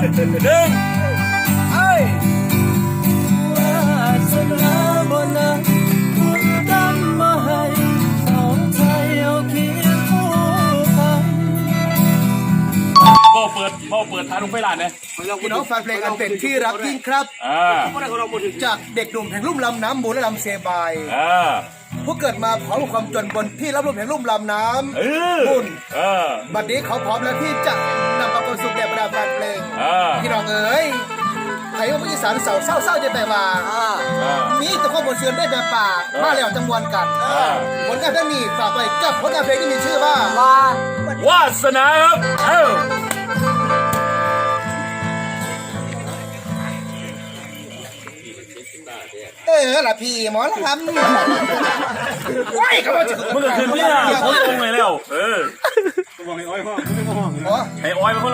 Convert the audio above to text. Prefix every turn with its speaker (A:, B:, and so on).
A: หนึ่ง
B: เอ้ยวาสนาบ่นะคุณกำมาให้สองใจเอาเคียงคู่กัน
A: พ่อเปิดทางลงไปหลานเนี่ย
B: พี่น้องฟังเพลงอันเป็นที่รักยิ่งครับจากเด็กหนุ่มแห่งลุ่มลำน้ำมูลและลำเซบายผู้เกิดมาพร้อมกับความจนบนที่รับลมแห่งลุ่มลำน้ำบุญบัดนี้เขาพร้อมแล้วที่จะนำความสุขแด่บรรดาแฟนเพลงพี่น้องเอ๋ยไทยว่าผู้อีสานเศร้าจะแต่ว่ามีแต่ความบนเสือนได้แบบป่ามาแล้วจังหวันกันผลงานเพลงนี้ฝากไว้กับผลงานเพลงที่มีชื่อว่าว
A: าสนาครับ
B: ล่ะพี่หมอละครับโอ้ยเขาบอกจะ
A: มึงก็ขึ้นเนี่ยเขาลงเลยแล้ว
C: บอกให้อ้อยห้องไม่ห้อง
A: ให้อ้อยเป็นคน